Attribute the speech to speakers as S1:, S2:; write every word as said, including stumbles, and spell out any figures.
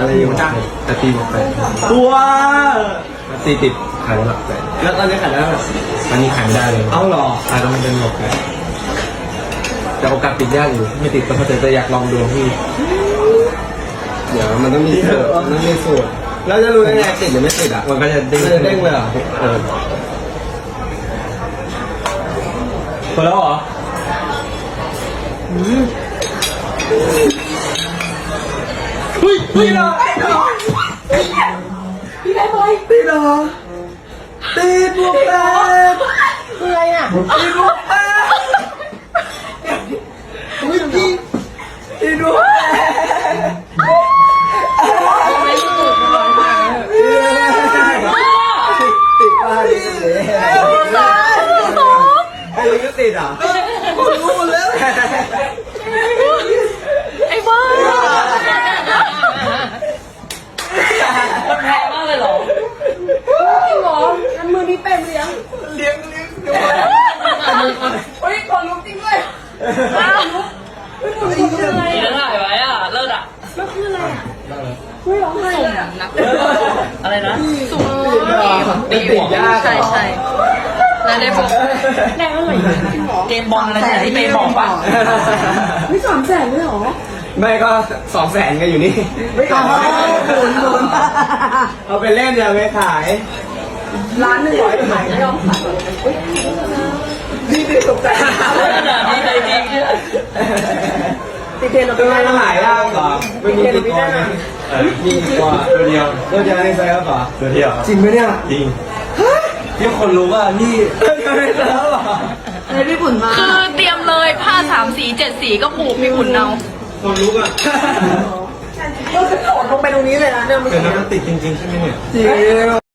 S1: อะไรอยู่จ้าแต่ตีหมดไป
S2: ว้า
S1: ตีติดขายได้หลักแสน
S2: แล้วตอนนี้ขายได้ไหม
S1: ตอนนี้ขายไม่ได้เลย
S2: เอาหรอ
S1: ขายต้องเป็นหมดเลยแต่โอกาสติดยากอยู่ไม่ติดก็เพราะจะอยากลองดูพี่เดี๋ยวมันต้องมีสูตรมันต้องมีสูตร
S2: แล้วจะรู้ได้ไงติดหรือไม่ติดอ่ะ
S1: มันก็จะเด้ง
S2: มันจะเด้งเลยเหรอ
S1: เออ
S2: พอแล้วเหรอเฮ้ยตีเหรอตีได้ไหมตีเหรอตีบวกแปด
S3: คืออะไรอ่ะ
S2: ตีบวกแปดเฮ้ยตีตีบวกแปด
S3: ไม่รู้ตัวร้อนมาก
S2: ติดป้ายไอ้ลิงก็ติดอ่ะคนรู้หมดแล้ว
S3: ไอ้บ้ามันแพงมากเลยเหรอจริงเหรองั้นมือนี้เป็นเลี้ยง
S2: เลี้ยงเลี้ยงดู
S3: เฮ้ยคนลุกจริงด้วยอ้าวลุกเฮ้ยคนลุกคืออะไร
S4: เดี๋ยว
S3: อ่ะ
S4: ถ่ายไว้อ่ะ เลิศอ่ะ
S3: แล้วคืออะไรอ่ะเฮ้ยร้องไห้อ่ะ
S4: อะไรนะ
S3: สูง
S2: ตีติดยาก
S4: ใช่ใช่แล้วได้บอก
S3: แรงเท่าไหร่จริงเหรอ
S4: เกมบอลอะไรเนี่ยที่เมย์บอกป่ะ
S3: ไม่สามแสนเลยเหรอ
S2: ไม่ก็สองแสนกันอยู่นี่ไม่ขายหมุนหมุนเอาไปเล่นอย่าไปขาย
S3: ร้านหนึ่งร้อยขายไม่ยอมขาย
S2: นี่ติดตกใจ
S4: ขนาดนี้เลยจริง
S3: ติเทนเรา
S2: ทำไมมันหายยากเหรอไม่มีติดตัวนะมีตัว
S1: ตัวเดียว
S2: ตัวเดียวในไซส์เหรอ
S1: ตัวเดียว
S2: จริงไหมเนี่ย
S1: จริงที่คนรู้ว่านี่
S2: ตัวในไซส์เหรอ
S3: เลยพี่บุญมา
S4: คือเตรียมเลยผ้าสามสีเจ็ดสีก็ผูกมีหุ่นเอา
S1: คนรู้อ่ะ
S3: เราจะโดดลงไปตรงนี้เลยนะเนี่ยมัน
S1: เกิดแล้วมันติดจริงๆใช่ไหมเนี่ย
S2: จริง